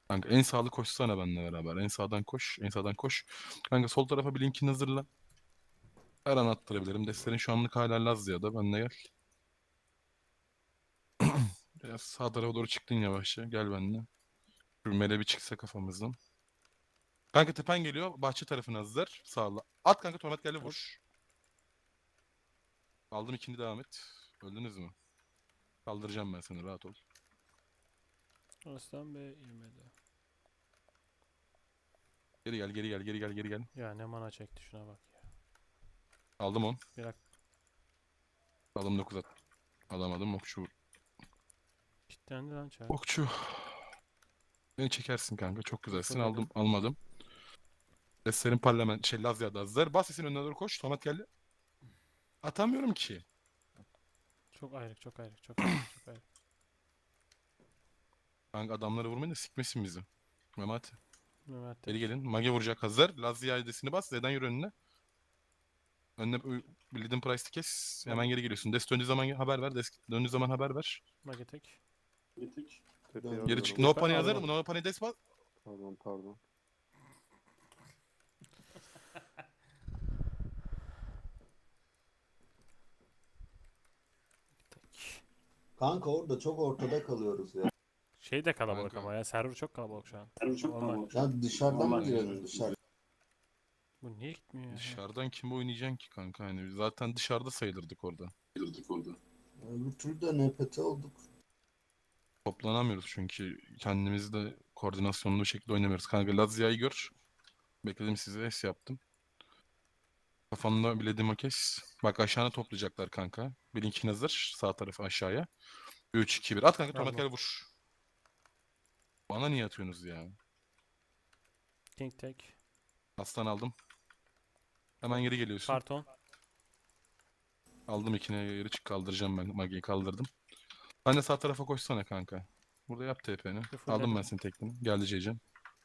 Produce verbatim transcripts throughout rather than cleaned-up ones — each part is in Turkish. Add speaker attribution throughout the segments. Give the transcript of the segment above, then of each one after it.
Speaker 1: Kanka en sağlı koşsana benimle beraber. En sağdan koş. En sağdan koş. Kanka sol tarafa bir linkini hazırla. Her an attırabilirim. Destlerin şu anlık hala Lazya'da. Benimle gel. Biraz sağ tarafa doğru çıktın yavaşça. Gel benimle. Şu mele bir çıksa kafamızdan. Kanka tepen geliyor. Bahçe tarafına hazır. Sağla. At kanka Tomat geldi
Speaker 2: At.
Speaker 1: vur. Aldım ikinci devam et. Öldünüz mü? Kaldıracağım ben seni rahat ol.
Speaker 2: Aslan Bey yemedi.
Speaker 1: Geri gel geri gel geri gel geri gel.
Speaker 2: Ya ne mana çekti şuna bak ya.
Speaker 1: Aldım on.
Speaker 2: Bir dakika.
Speaker 1: Aldım dokuz at. Alamadım okçu.
Speaker 2: Kitlendi lan çay.
Speaker 1: Okçu. Beni çekersin kanka. Çok güzelsin.
Speaker 2: Fulledim.
Speaker 1: Aldım almadım. Destlerin parlament şey Lazya'da hazır. Bas sesin önüne doğru koş. Tomat geldi. Atamıyorum ki.
Speaker 2: Çok ayrık, çok ayrık, çok ayrık, çok ayrık.
Speaker 1: Kanka adamları vurmayın da sikmesin bizi. Mehmet.
Speaker 2: Mehmet
Speaker 1: Geri
Speaker 2: tek.
Speaker 1: gelin. Mage vuracak hazır. Lazya ailesini bas. Z'den yürü önüne. Önüne Bleeding Price'ı kes. Hemen
Speaker 2: Mage,
Speaker 1: geri geliyorsun. Dest döndüğü zaman haber ver. Dest döndüğü zaman haber ver.
Speaker 2: Mage tek.
Speaker 3: Gittik.
Speaker 4: Tepeye
Speaker 1: Geri çık.
Speaker 4: alıyorum.
Speaker 1: No
Speaker 2: Ben
Speaker 1: Panic hazır.
Speaker 2: aldım.
Speaker 1: No Panic Dest bas.
Speaker 4: Pardon pardon.
Speaker 2: Tek.
Speaker 5: Kanka orada çok ortada kalıyoruz ya.
Speaker 2: Şey de kalabalık
Speaker 1: Kanka.
Speaker 2: ama ya. Server çok kalabalık şu an.
Speaker 3: Yani çok
Speaker 2: Normal.
Speaker 3: kalabalık.
Speaker 5: Ya dışarıdan mı
Speaker 3: Normal.
Speaker 5: girelim dışarı?
Speaker 2: Bu niye gitmiyor ya?
Speaker 1: Dışarıdan kim oynayacaksın ki kanka? Hani zaten dışarıda sayılırdık orada.
Speaker 3: Girdik orada.
Speaker 5: Öbür türlü de N P T olduk.
Speaker 1: Toplanamıyoruz çünkü kendimizi de koordinasyonlu bir şekilde oynamıyoruz. Kanka Lazya'yı gör. Bekledim sizi. S yaptım. Kafanda bilediğim kes. Bak aşağına toplayacaklar kanka. Bir linkin hazır. Sağ tarafı aşağıya. üç iki bir. At kanka Tomat
Speaker 2: Aldım.
Speaker 1: gel vur. Bana niye atıyorsunuz ya?
Speaker 2: King tek.
Speaker 1: Aslan aldım. Hemen geri geliyorsun.
Speaker 2: Karton.
Speaker 1: Aldım ikine geri çık kaldıracağım ben. Magi'yi kaldırdım. Sen de sağ tarafa koşsana kanka. Burada yap T P'ni.
Speaker 2: Bir full
Speaker 1: Aldım ben
Speaker 2: dedim.
Speaker 1: senin teknini. Geldi C'cem.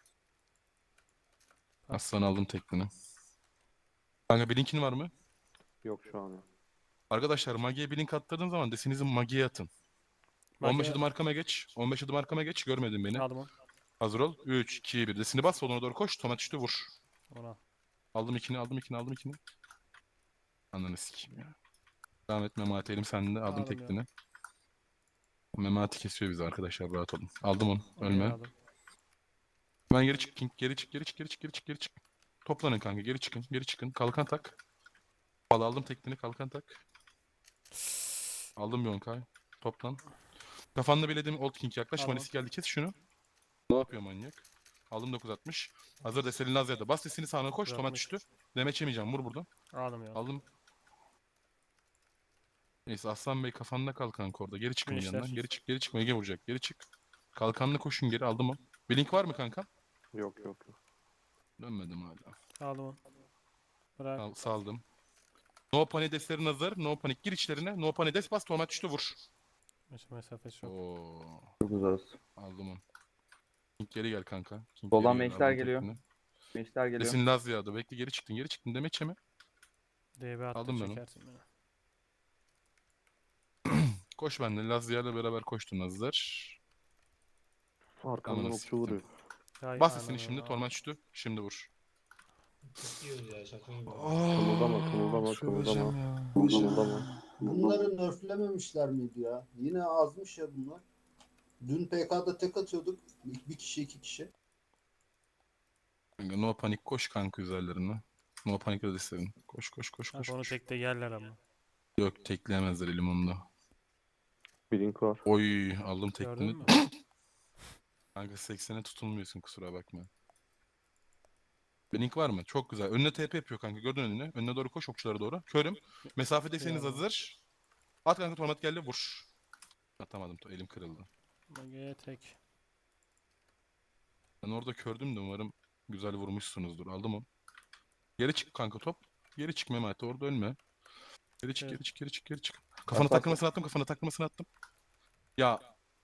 Speaker 2: Bak.
Speaker 1: Aslan aldım teknini. Kanka bir linkin var mı?
Speaker 4: Yok şu an yok.
Speaker 1: Arkadaşlar Magi'ye bir link attırdığın zaman desinizi Magi'ye atın. on beş
Speaker 2: Mage-
Speaker 1: adım arkama geç. on beş adım arkama geç. Görmedin beni.
Speaker 2: Aldım onu.
Speaker 1: Hazır ol. üç, iki, bir. Desini bas. Soluna doğru koş. Tomat üstü vur.
Speaker 2: Onu al.
Speaker 1: Aldım ikini, aldım ikini, aldım ikini. Ananı sikeyim ya. Devam et Memati elim sende. Aldım
Speaker 2: Aldım
Speaker 1: teknini. Memati kesiyor bizi arkadaşlar. Rahat olun. Aldım onu.
Speaker 2: Onu
Speaker 1: Ölme.
Speaker 2: aldım.
Speaker 1: Hemen geri çık King. Geri çık, geri çık, geri çık, geri çık, geri çık. Toplanın kanka. Geri çıkın, geri çıkın. Kalkan tak. Bal aldım teknini. Kalkan tak. Aldım Yonkay. Toplan. Kafanda bilediğim Old King yaklaş.
Speaker 2: Tamam.
Speaker 1: Manisi geldi. Kes şunu. Ne yapıyor manyak? Aldım dokuz altmış. Hazır Deselin Lazya'da. Bas sesini sağına koş. Tomat
Speaker 2: dokuz
Speaker 1: düştü. Demeç yemeyeceğim. Vur buradan.
Speaker 2: Aldım ya.
Speaker 1: Aldım. Neyse Aslan Bey kafanda kal kanka orada. Geri çıkın bir
Speaker 2: Gençler.
Speaker 1: yandan. Geri çık, geri çık. Ege vuracak. Geri çık. Kalkanla koşun geri. Aldım o. Bir link var mı kanka?
Speaker 4: Yok yok yok.
Speaker 1: Dönmedim hala.
Speaker 2: Aldım onu. Bırak.
Speaker 1: Sal- saldım. No Panic Des'lerin hazır. No Panic gir içlerine. No Panic Des bas. Tomat düştü vur.
Speaker 2: Mes- Mesafesi çok.
Speaker 1: Oo.
Speaker 4: Çok uzağız.
Speaker 1: Aldım onu. King geri gel kanka. King
Speaker 4: Soldan
Speaker 1: geri gel,
Speaker 4: meşler
Speaker 1: aldım
Speaker 4: geliyor.
Speaker 1: tekini.
Speaker 4: Meşler geliyor.
Speaker 1: Desin Lazya'da. Bekle geri çıktın. Geri çıktın. Demeçe mi?
Speaker 2: D B attı
Speaker 1: Aldım ben onu.
Speaker 2: çekersin beni.
Speaker 1: Koş benimle. Lazya'yla beraber koştun hazır.
Speaker 4: Arkamdan
Speaker 1: Amına
Speaker 4: okçu
Speaker 1: siktim.
Speaker 4: vuruyor.
Speaker 2: Hay
Speaker 1: Bas sesini
Speaker 2: ananı
Speaker 1: şimdi.
Speaker 2: al.
Speaker 1: Torment düştü. Şimdi vur.
Speaker 3: Diyoruz ya şaka gibi.
Speaker 4: Kımıldama, kımıldama,
Speaker 1: söyleyeceğim
Speaker 4: kımıldama.
Speaker 1: ya.
Speaker 4: Kımıldama.
Speaker 5: Bunları nerflememişler miydi ya? Yine azmış ya bunlar. Dün P K'da tek atıyorduk. Bir kişi iki kişi.
Speaker 1: Kanka, no panik koş kanka üzerlerine. No panik ödeserin. Koş koş koş koş.
Speaker 2: Kanka onu
Speaker 1: koş.
Speaker 2: tekte yerler ama.
Speaker 1: Yok tekleyemezler limonda.
Speaker 4: Blink var.
Speaker 1: Oy aldım
Speaker 2: Gördün
Speaker 1: teklini.
Speaker 2: mü?
Speaker 1: Kanka seksene tutulmuyorsun kusura bakma. Blink var mı? Çok güzel. Önüne T P yapıyor kanka. Gördün önüne. Önüne doğru koş okçulara doğru. Körüm. Mesafedeyseniz
Speaker 2: Eyvallah.
Speaker 1: hazır. At kanka torment geldi vur. Atamadım. Elim kırıldı.
Speaker 2: Mage tek.
Speaker 1: Ben orada kördüm de umarım güzel vurmuşsunuzdur. Aldım onu. Geri çık kanka top. Geri çık Mehmet orada ölme. Geri çık
Speaker 2: Evet.
Speaker 1: geri çık geri çık geri çık. Kafana
Speaker 4: Bak, bak,
Speaker 1: takılmasını attım kafana takılmasını attım. Ya.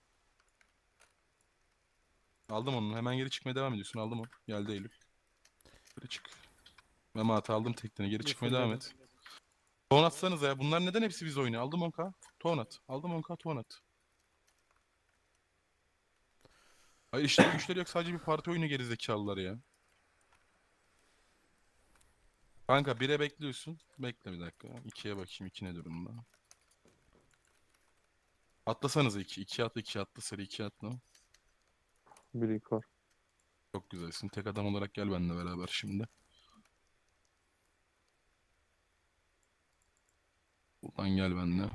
Speaker 1: Aldım onu. Hemen geri çıkmaya devam ediyorsun. Aldım onu. Geldi Eylül. Geri çık. Mehmet aldım tekniğini. Geri
Speaker 2: Bir
Speaker 1: çıkmaya devam
Speaker 2: fullledim.
Speaker 1: et. Ton atsanıza ya. Bunlar neden hepsi biz oynuyor? Aldım on k. Ton at. Aldım on k ton at. Hayır işleri güçleri yok, sadece bir parti oyunu gerizekalılar ya. Kanka bire bekliyorsun. Bekle bir dakika. ikiye bakayım, iki ne durumda. Atlasanıza iki. iki atla, iki atla, sarı iki atla.
Speaker 4: Blink var.
Speaker 1: Çok güzelsin. Tek adam olarak gel benimle beraber şimdi. Buradan gel benimle.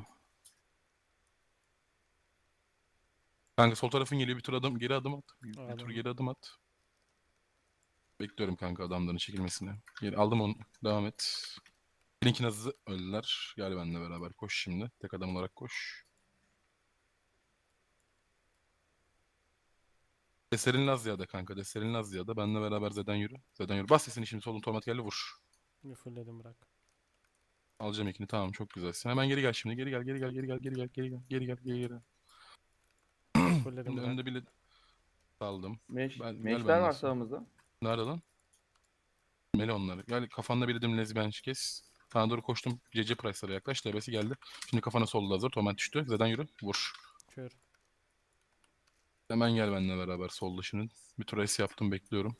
Speaker 1: Kanka sol tarafın geliyor, bir tur adım geri adım at. Bir, bir tur
Speaker 2: Aldım.
Speaker 1: geri adım at. Bekliyorum kanka adamların çekilmesini. Geri aldım onu. Devam et. Link'in hızlı öldüler. Gel benimle beraber koş şimdi. Tek adam olarak koş. Deserin Lazya'da kanka. Deserin Lazya'da. Benimle beraber Zeden yürü. Zeden yürü. Bas sesini şimdi solun tomat geldi vur.
Speaker 2: Bir fullledim bırak.
Speaker 1: Alacağım ikini, tamam, çok güzelsin. Hemen geri gel şimdi. Geri gel, geri gel, geri gel, geri gel, geri gel, geri gel, geri gel.
Speaker 2: Bir fullledim
Speaker 1: Şimdi
Speaker 2: bırak.
Speaker 1: önde bile saldım.
Speaker 6: Meş,
Speaker 1: Ben- gel
Speaker 6: meşler
Speaker 1: benimle
Speaker 6: var
Speaker 1: sen.
Speaker 6: sağımızda.
Speaker 1: Nerede lan? Meli onları. Gel kafanda bildiğim lezbiyen kes. Sana doğru koştum. C C Price'lara yaklaş. D B'si geldi. Şimdi kafana solda hazır. Tomat düştü. Zeden yürü. Vur.
Speaker 2: Kör.
Speaker 1: Hemen gel benimle beraber solda şimdi. Bir tur es yaptım, bekliyorum.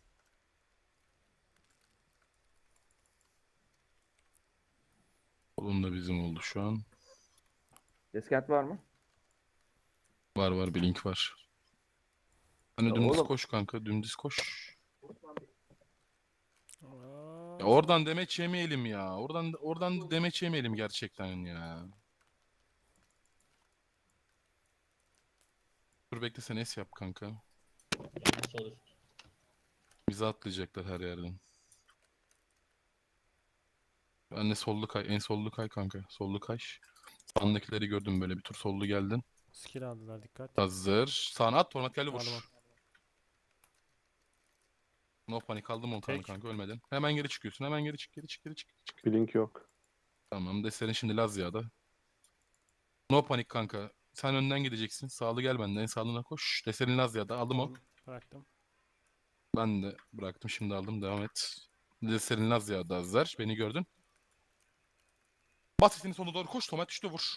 Speaker 1: Solun da bizim oldu şu an.
Speaker 6: Deskent var mı?
Speaker 1: Var var, bir link var. Hani
Speaker 6: Ya
Speaker 1: dümdüz
Speaker 6: oğlum.
Speaker 1: koş kanka. Dümdüz koş.
Speaker 2: Aa,
Speaker 1: Ya oradan demeç yemeyelim ya. Oradan oradan demeç yemeyelim gerçekten ya. Dur bekle, sen es yap kanka.
Speaker 3: Sol üst.
Speaker 1: Bizi atlayacaklar her yerden. Ben de sollu kay. En sollu kay kanka. Sollu kay. Sağındakileri gördüm, böyle bir tur sollu geldin.
Speaker 2: skill aldılar dikkat.
Speaker 1: Hazır. Sağına at. Torment geldi, vur.
Speaker 2: Aldım.
Speaker 1: No panik, aldım on tane
Speaker 2: Tek.
Speaker 1: kanka, ölmedin. Hemen geri çıkıyorsun. Hemen geri çık. Geri çık. Geri çık. Geri çık.
Speaker 4: Blink yok.
Speaker 1: Tamam. Deserin şimdi Lazya'da. No panik kanka. Sen önden gideceksin. Sağlı gel benden. En sağlığına koş. Deserin Lazya'da. Aldım on.
Speaker 2: Aldım, bıraktım.
Speaker 1: Ben de bıraktım. Şimdi aldım. Devam et. Deserin Lazya'da hazır. Beni gördün. Bas sesini sonuna doğru koş. Tomat düştü, vur.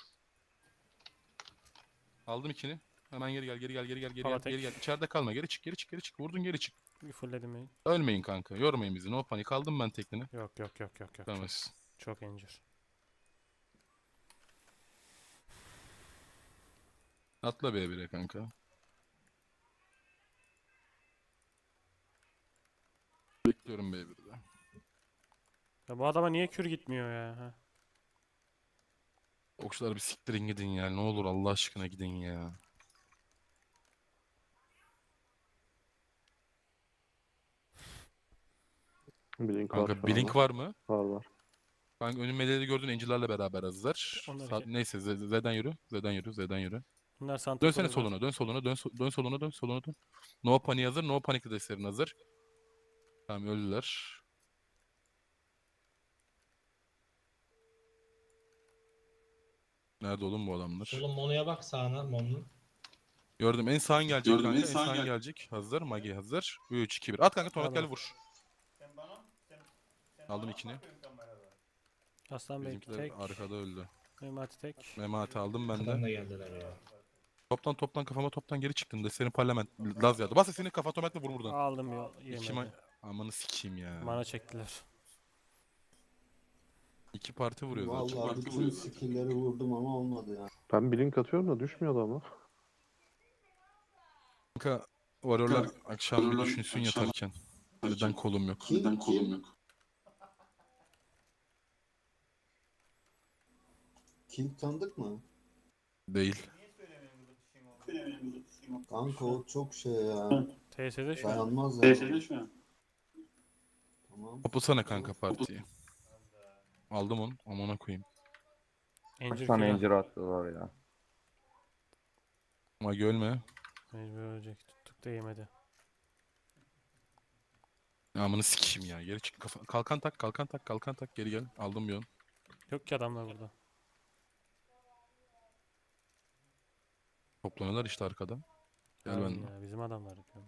Speaker 1: Aldım ikini. Hemen geri gel. Geri gel. Geri gel. Geri gel.
Speaker 2: Palatek.
Speaker 1: Geri gel. İçeride kalma. Geri çık. Geri çık. Geri çık. Vurdun, geri çık.
Speaker 2: Bir fullledim main.
Speaker 1: Ölmeyin kanka. Yormayın bizi. No panik. Aldım ben teknini.
Speaker 2: Yok yok yok yok yok.
Speaker 1: Tamam.
Speaker 2: Çok, çok injur.
Speaker 1: Atla B bire kanka. Bekliyorum B birde.
Speaker 2: Ya bu adama niye kür gitmiyor ya? Ha?
Speaker 1: Okçular bir siktirin gidin ya. Ne olur Allah aşkına gidin ya.
Speaker 4: Blink var
Speaker 1: Kanka
Speaker 4: şu
Speaker 1: Blink
Speaker 4: anda.
Speaker 1: var mı?
Speaker 4: Var var.
Speaker 1: Kanka önümeleri gördüğün Angel'larla beraber hazırlar.
Speaker 2: Onlar
Speaker 1: Sa-
Speaker 2: iki.
Speaker 1: Neyse Z- Z'den yürü. Z'den yürü. Z'den yürü.
Speaker 2: Bunlar Santa
Speaker 1: Dönsene
Speaker 2: Cruz'lar.
Speaker 1: soluna. Dön soluna. Dön, so- dön soluna. Dön soluna. Dön. No Panik hazır. No Panik de serin hazır. Tamam, öldüler. Nerede oğlum bu adamlar?
Speaker 3: Solun Mono'ya bak, sağına Mon'un.
Speaker 1: Gördüm. En sağın gelecek
Speaker 3: Gördüm,
Speaker 1: kanka.
Speaker 3: en
Speaker 1: En
Speaker 3: sağın
Speaker 1: sağın
Speaker 3: gel-
Speaker 1: gelecek. Hazır. Magi hazır. üç, iki, bir. At kanka. Tomat
Speaker 2: Aldım.
Speaker 1: gel vur. Aldım ikini.
Speaker 2: Aslan Bey
Speaker 1: Bizimkiler
Speaker 2: tek.
Speaker 1: arkada öldü.
Speaker 2: Memati tek.
Speaker 1: Memati aldım ben
Speaker 3: Arkadan
Speaker 1: de.
Speaker 3: da geldiler ya.
Speaker 1: Toptan toptan kafama toptan geri çıktın da senin parlament Laz yağdı. Bas sesini kafa otomatikle vur buradan.
Speaker 2: Aldım ya.
Speaker 1: İki
Speaker 2: Yemedi.
Speaker 1: ma Amanı sikeyim ya.
Speaker 2: Mana çektiler.
Speaker 1: İki parti vuruyor zaten.
Speaker 5: Vallahi bütün skill'leri vurdum ama olmadı ya.
Speaker 4: Ben blink atıyorum da düşmüyordu ama.
Speaker 1: Kanka varyorlar akşam bir
Speaker 3: Varyorlar
Speaker 1: düşünsün
Speaker 3: akşam-
Speaker 1: yatarken. Neden kolum yok?
Speaker 5: Kim?
Speaker 3: Neden kolum yok?
Speaker 5: King tanıdık mı?
Speaker 1: Değil.
Speaker 5: Kanka o çok şey ya.
Speaker 2: T S'de şu an.
Speaker 5: Dayanmaz ya.
Speaker 3: Değiştirdi şu an.
Speaker 5: Tamam.
Speaker 1: Toplasana kanka partiyi. Aldım onu. Amına koyayım.
Speaker 2: Encir
Speaker 6: Kaç tane
Speaker 2: kürü.
Speaker 6: incir attılar ya.
Speaker 1: Magi ölme.
Speaker 2: Mecbur ölecek. Tuttuk da yemedi.
Speaker 1: Amını sikeyim ya. Geri çık. Kafa... Kalkan tak, kalkan tak, kalkan tak. Geri gel. Aldım bir on.
Speaker 2: Yok ki adamlar burada.
Speaker 1: Toplanıyorlar işte arkada. Gel
Speaker 2: Aynen
Speaker 1: benimle.
Speaker 2: ya, bizim adamlar yapıyor.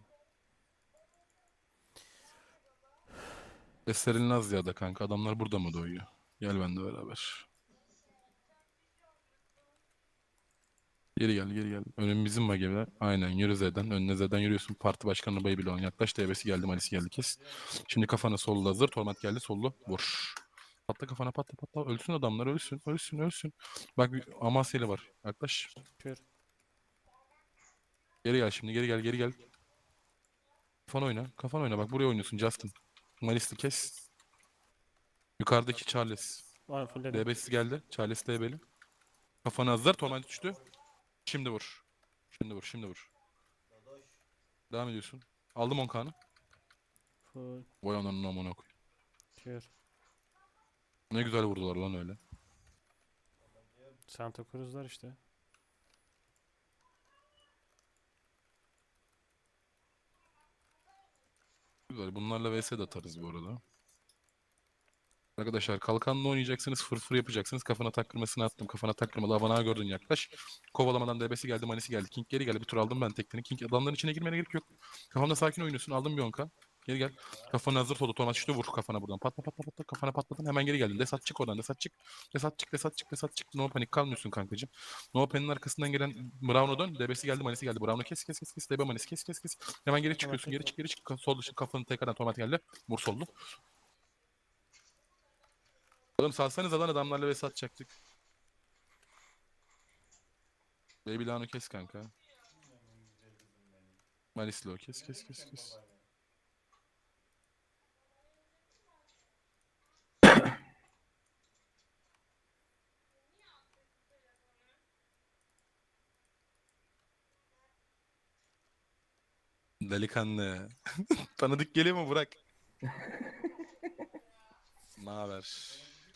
Speaker 1: Eser'in Lazya'da kanka. Adamlar burada mı doyuyor? Gel benimle beraber. Geri gel geri gel. Önüm bizim mageler. Aynen yürü Z'den. Önüne Z'den yürüyorsun. Parti başkanına bayı bile olan yaklaş. D B'si geldi. Malisi geldi. Kes. Şimdi kafana sollu hazır. Torment geldi. Sollu. Vur. Patla kafana patla patla. Ölsün adamlar. Ölsün. Ölsün. Ölsün. Bak bir Amasya'lı var. Yaklaş.
Speaker 2: Kör.
Speaker 1: Geri gel şimdi. Geri gel. Geri gel. Kafan oyna. Kafan oyna. Bak buraya oynuyorsun Justin. Malis'i kes. Yukarıdaki Charles.
Speaker 2: Var fullledim.
Speaker 1: D B'si geldi. Charles D B'li. Kafana hazır. Torment düştü. Şimdi vur. Şimdi vur. Şimdi vur. Devam ediyorsun. Aldım on kanı.
Speaker 2: Full.
Speaker 1: Vay ananın amına koy.
Speaker 2: Kör.
Speaker 1: Ne güzel vurdular lan öyle.
Speaker 2: Santa Cruz'lar işte.
Speaker 1: Güzel. Bunlarla vs de atarız bu arada. Arkadaşlar kalkanla oynayacaksınız. Fırfır yapacaksınız. Kafana takkırmasını attım. Kafana takkırmalı. Havana gördün yaklaş. Kovalamadan D B'si geldi. Manisi geldi. King geri geldi. Bir tur aldım ben tekten. King adamların içine girmene gerek yok. Kafamda sakin oynuyorsun. Aldım bir onka. Geri gel. Kafana hazır oldu. Tornat işte vur kafana buradan. Patla patla patla. Kafana patladın. Hemen geri geldin. Desat çık oradan. Desat çık. Desat çık. Desat çık. Desat çık. No panik kalmıyorsun kankacığım. No panik'in arkasından gelen Brown'a dön. D B'si geldi. Manisi geldi. Brown'u kes kes kes kes. D B manisi kes kes kes. Hemen geri çıkıyorsun. Geri çık geri çık. Sol dışı kafanı tekrardan tornat geldi. Vur sollu. Oğlum salsanıza lan adamlarla vs atacaktık. Baby Lano kes kanka. Malislo kes kes kes kes. Delikanlı. Tanıdık geliyor mu Burak? Ne haber?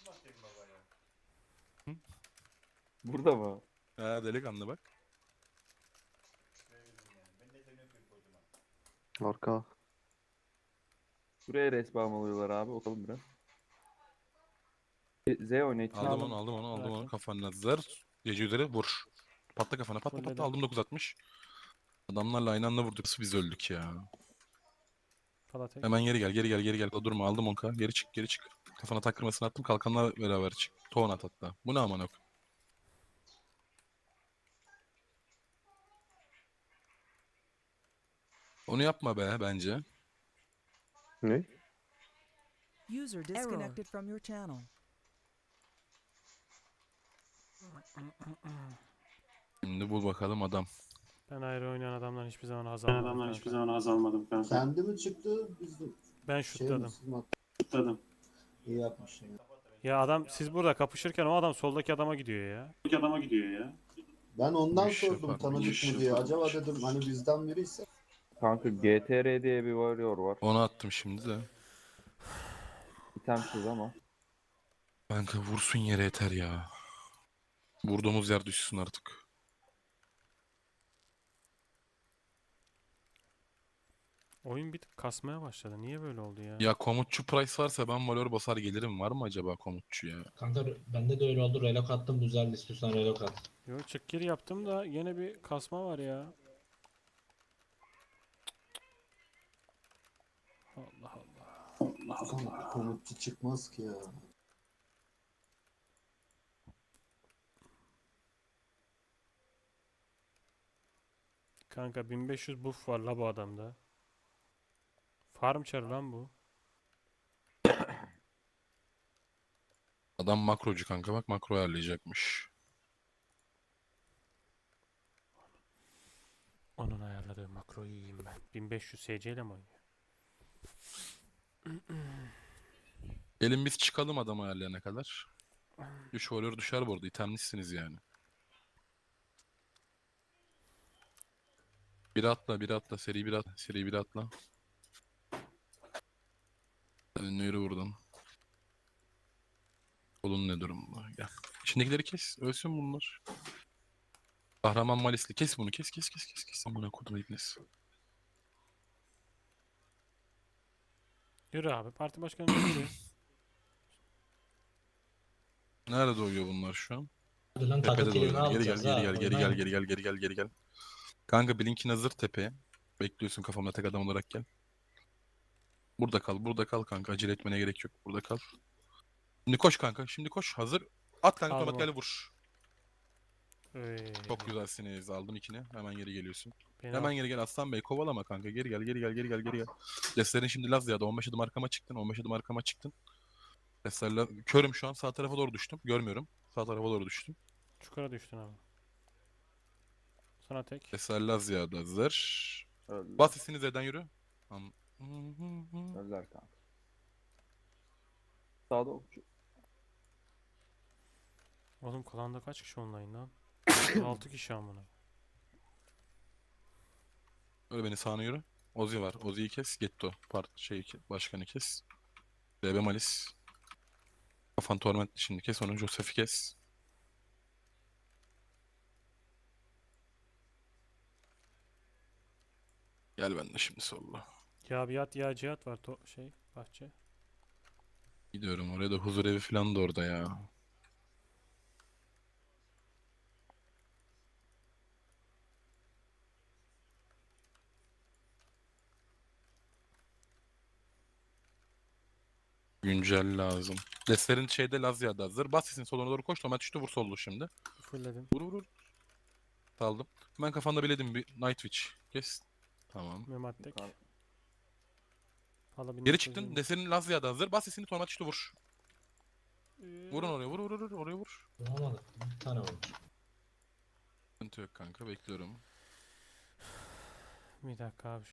Speaker 6: Burada mı?
Speaker 1: Ha delikanlı bak.
Speaker 4: Arka.
Speaker 6: Buraya respawn alıyorlar abi. Bakalım biraz. E, Z oyna içine
Speaker 1: Aldım
Speaker 6: aldım.
Speaker 1: onu aldım onu aldım onu
Speaker 2: Bıraktım.
Speaker 1: kafanla zar. Gece üzeri vur. Patla kafana patla patla
Speaker 2: Fulledim.
Speaker 1: aldım dokuz altmış. Adamlarla aynı anda vurduk biz öldük ya.
Speaker 2: Palatek.
Speaker 1: Hemen geri gel geri gel geri gel. Durma aldım onka. Geri çık geri çık. Kafana takkırmasını attım kalkanla beraber çık. Toğun at hatta. Bu ne aman ok. Onu yapma be bence.
Speaker 4: Ne?
Speaker 7: User disconnected from your channel.
Speaker 1: Şimdi bul bakalım adam.
Speaker 2: Ben ayrı oynayan adamdan hiçbir zaman haz almadım.
Speaker 8: adamdan
Speaker 2: kanka.
Speaker 8: hiçbir zaman haz almadım kanka.
Speaker 5: Kendi mi çıktı? Bizim
Speaker 2: Ben
Speaker 5: şey mi?
Speaker 2: şutladım.
Speaker 5: Siz mi attınız?
Speaker 8: Tutladım.
Speaker 5: İyi yapmışsın ya.
Speaker 2: Ya adam siz burada kapışırken o adam soldaki adama gidiyor ya.
Speaker 8: İki adama gidiyor ya.
Speaker 5: Ben ondan
Speaker 1: Bu iş
Speaker 5: sordum
Speaker 1: yapar, bu
Speaker 5: tanıdık
Speaker 1: iş
Speaker 5: mı diye.
Speaker 1: yapar.
Speaker 5: Acaba dedim hani bizden biriyse.
Speaker 6: Kanka G T R diye bir warrior var.
Speaker 1: Onu attım şimdi de.
Speaker 6: İtemsiz ama.
Speaker 1: Kanka vursun yere yeter ya. Vurduğumuz yer düşsün artık.
Speaker 2: Oyun bir tık kasmaya başladı. Niye böyle oldu ya?
Speaker 1: Ya komutçu price varsa ben valor basar gelirim. Var mı acaba komutçu ya?
Speaker 3: Kanka bende de öyle oldu. Relok attım. Güzel istiyorsan relok at.
Speaker 2: Yo çık gir yaptım da yine bir kasma var ya. Allah Allah.
Speaker 5: Kanka komutçu çıkmaz ki ya.
Speaker 2: Kanka bin beş yüz buff var la bu adamda. Farm çarı lan bu.
Speaker 1: Adam makrocu kanka bak makro ayarlayacakmış.
Speaker 2: Onun ayarladığı makroyu yiyeyim ben. bin beş yüz S C ile mi oynuyor?
Speaker 1: Gelin biz çıkalım adam ayarlayana kadar. Üç valor düşer bu arada. İtemlisiniz yani. Bir atla bir atla seri bir atla seri bir atla. Önüne yürü buradan. Kolun ne durumda? Gel. İçindekileri kes. Ölsün bunlar. Kahraman Malisli. Kes bunu. Kes kes kes kes kes. Amına kodum iblis.
Speaker 2: Yürü abi. Parti başkanı yürü.
Speaker 1: Nerede doyuyor bunlar şu an?
Speaker 3: Hadi lan
Speaker 1: Tepede
Speaker 3: takı kilini
Speaker 1: doyuyor. Geri gel
Speaker 3: alacağız
Speaker 1: geri
Speaker 3: ha.
Speaker 1: gel geri gel
Speaker 3: Oynayın.
Speaker 1: geri gel geri gel geri gel. Kanka Blink'in hazır tepeye. Bekliyorsun kafamda tek adam olarak gel. Burada kal, burada kal kanka. Acele etmene gerek yok. Burada kal. Şimdi koş kanka. Şimdi koş. Hazır. At kanka
Speaker 2: Aldım
Speaker 1: tomat
Speaker 2: onu.
Speaker 1: geldi vur.
Speaker 2: Öy.
Speaker 1: Çok güzelsiniz. Aldım ikini. Hemen geri geliyorsun.
Speaker 2: Beni
Speaker 1: Hemen
Speaker 2: al.
Speaker 1: geri gel Aslan Bey. Kovalama kanka. Geri gel, geri gel, geri gel, geri gel. Destlerin şimdi Lazya'da. on beş adım arkama çıktın. on beş adım arkama çıktın. Destlerle körüm şu an. Sağ tarafa doğru düştüm. Görmüyorum. Sağ tarafa doğru düştüm.
Speaker 2: Çukura düştün abi. Sana tek.
Speaker 1: Destler Lazya'da hazır.
Speaker 6: Öldüler.
Speaker 1: Bas sesini Z'den yürü. Am-
Speaker 6: Öldüler kanka. Sağda okçu.
Speaker 2: Oğlum klanda kaç kişi online lan? altı kişi amına.
Speaker 1: Öyle beni sağına yürü. Ozi var. Ozi'yi kes. Getto. Part şey başkanı kes. D B Malis. Kafan Torment şimdi kes. Onu Joseph'i kes. Gel ben de şimdi solla.
Speaker 2: Ya biat ya cihat var to şey bahçe.
Speaker 1: Gidiyorum oraya da huzur evi falan da orada ya. Güncel lazım. Destlerin şeyde Lazya'da hazır. Bas sesin soluna doğru koş. Tomat düştü vur sollu şimdi.
Speaker 2: Fullledim.
Speaker 1: Vur vur vur. Saldım. Hemen kafanda biledim bir Night Witch. Kes. Tamam.
Speaker 2: Memat tek.
Speaker 6: Yukarı-
Speaker 2: Hala bir
Speaker 1: Geri
Speaker 2: nefes
Speaker 1: çıktın.
Speaker 2: yiyeyim.
Speaker 1: Destlerin Lazya'da hazır. Bas sesini Tomat düştü vur.
Speaker 2: Ee,
Speaker 1: Vurun oraya vur vur vur. Oraya vur.
Speaker 3: Vuramadık. Bir tane vurmuş.
Speaker 1: Sıkıntı yok kanka bekliyorum.
Speaker 2: Bir dakika abi.